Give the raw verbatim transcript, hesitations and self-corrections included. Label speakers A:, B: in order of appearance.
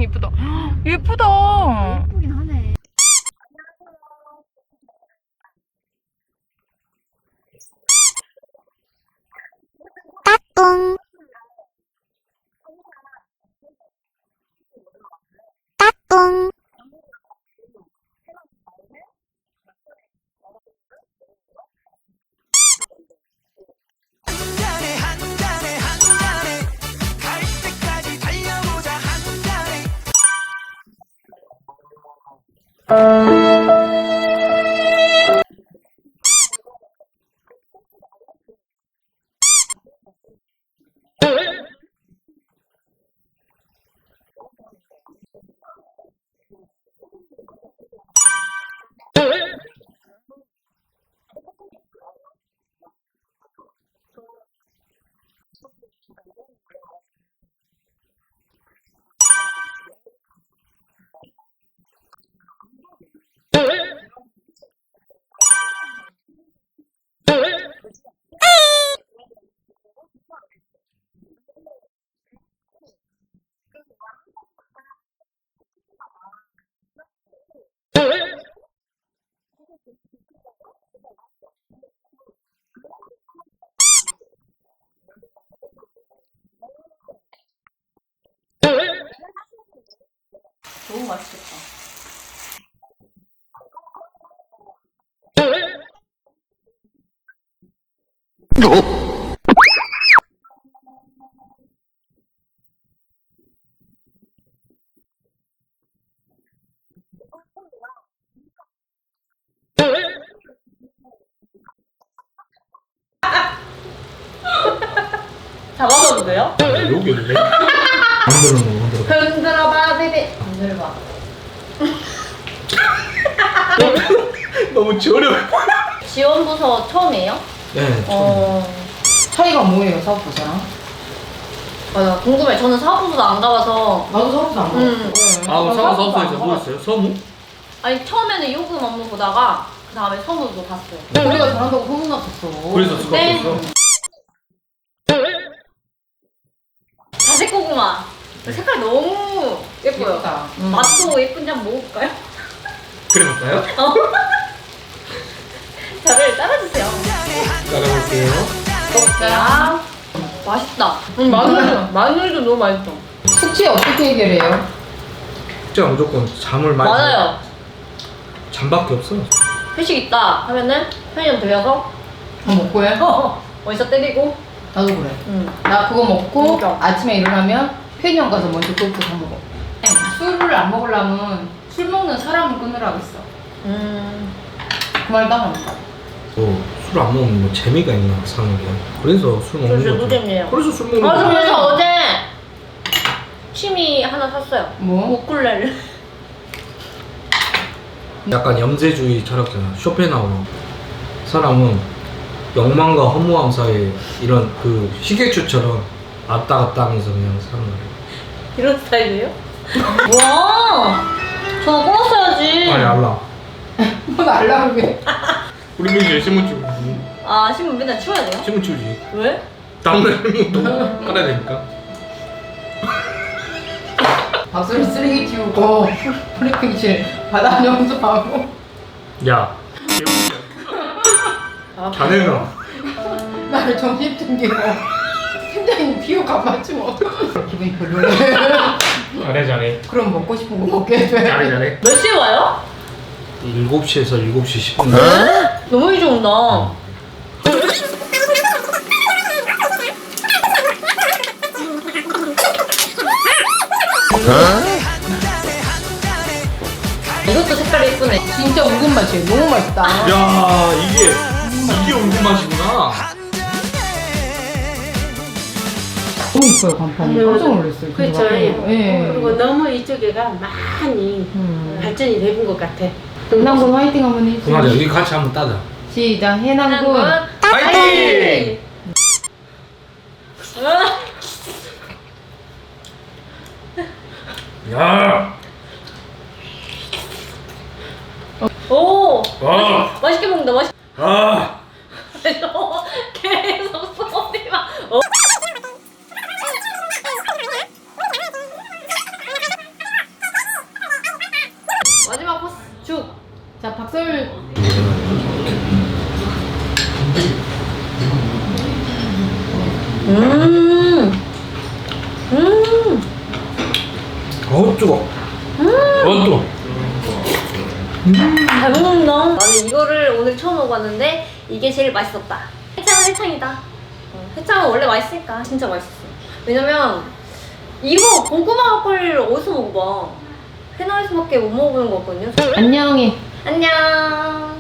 A: 이쁘다. 예쁘다.
B: 예쁘긴 하네.
C: 따뚱 따뚱
A: 너무 맛있겠다. 잡아봐도 돼요?
D: 여기 올래? 흔들어 놓어 흔들어.
A: 흔들어봐 베베. 흔들어봐.
D: 너무 저렴.
A: 지원부서 처음이에요?
D: 네.
A: 어.
E: 차이가 뭐예요, 사업부서랑?
A: 맞아, 궁금해. 저는 사업부서도 안 가봐서.
E: 나도 사업부서 안
A: 음.
E: 가봤어.
D: 아 사무 사무소에서 뭐 했어요? 서무?
A: 아니 처음에는 요금 업무 보다가 그 다음에 서무도 봤어요.
E: 우리가 잘한다고 소문났었어.
D: 그래서 수가
A: 네.
D: 없었어.
A: 자색 고구마. 색깔 너무 예뻐요.
E: 예쁘다. 음.
A: 맛도 예쁜지 한번 먹어볼까요?
D: 그래 볼까요?
A: 어. 저를 따라주세요.
D: 따라볼게요.
A: 야, 맛있다. 응, 마늘, 마늘도 너무 맛있어.
E: 숙취 어떻게 해결해요?
D: 진짜 무조건 잠을 많이.
A: 맞아요.
D: 잠밖에 없어.
A: 회식 있다 하면은 편의점 들려서
E: 뭐 먹고 해?
A: 어, 어디서 때리고.
E: 나도 그래.
A: 응.
E: 나 그거 먹고
A: 그러니까.
E: 아침에 일어나면 편의점 가서 먼저 그것도 사 먹어. 술을 안 먹으려면 술 먹는 사람을 끊으라고 했어.
A: 음.
E: 그 말 따라한다.
D: 뭐술 안 먹으면 뭐 재미가 있나 사는 게. 그래서 술 먹는
A: 그래서
D: 거죠.
A: 노잼이에요.
D: 그래서 술 먹는
A: 아, 저
D: 거죠.
A: 그래서 어제 취미 하나 샀어요.
E: 뭐?
A: 우쿨렐레.
D: 약간 염세주의 철학자나 쇼펜하우어. 사람은 욕망과 허무함 사이에 이런 그 시계추처럼 왔다 갔다 하면서 그냥 사는 거예요.
A: 이런 스타일이에요? 와, 저 끊었어야지.
D: 아니 알라.
E: 뭐 날라고 해.
D: 우리 민지 신문 치고
A: 아, 신문 맨날 치워야 돼요?
D: 신문 치우지.
A: 왜?
D: 다음날 또 깔아야 되니까.
E: 박수를 쓰레기 치우고 프리핑실 바다 청소하고.
D: 야.
A: 아,
D: 자네는
E: 나를 점심 챙기고 팀장님 비유 안 맞추면 어떡해. 기분이 별로네.
D: 잘해 잘해.
E: 그럼 먹고 싶은 거 먹게 해줘야
D: 잘해 잘해.
A: 몇 시에 와요?
D: 일곱 시에서 일곱 시 십 분.
A: 너무 일찍 온다. 이것도 색깔이 예쁘네.
E: 진짜 웅근 맛이에요. 너무 맛있다.
D: 야 이게 이게 웅근 맛이구나.
E: 너무 이뻐요 간판이.
B: 음.
E: 깜짝 놀랐어요.
B: 그렇죠.
E: 예.
B: 그리고 너무 이쪽에가 많이
E: 음.
B: 발전이 되는 것 같아.
E: 해남군 화이팅 한번 해주세요.
D: 그만해 여기 같이 한번 따자.
E: 시작. 해남군.
D: 파이팅! 야.
A: 오,
D: 와.
A: 맛있게 먹는다. 맛있.
D: 아.
A: 계속 소리만. 어.
E: 죽. 자, 박설.
A: 음. 음.
D: 어우 뜨거. 어 뜨거.
A: 잘 먹는다. 나는 이거를 오늘 처음 먹어봤는데 이게 제일 맛있었다. 해창은 해창이다. 어, 해창은 원래 맛있으니까 진짜 맛있었어. 왜냐면 이거 고구마 막걸리를 어디서 먹어봐. 회나에서밖에 못 먹어보는 거거든요.
E: 안녕히.
A: 안녕.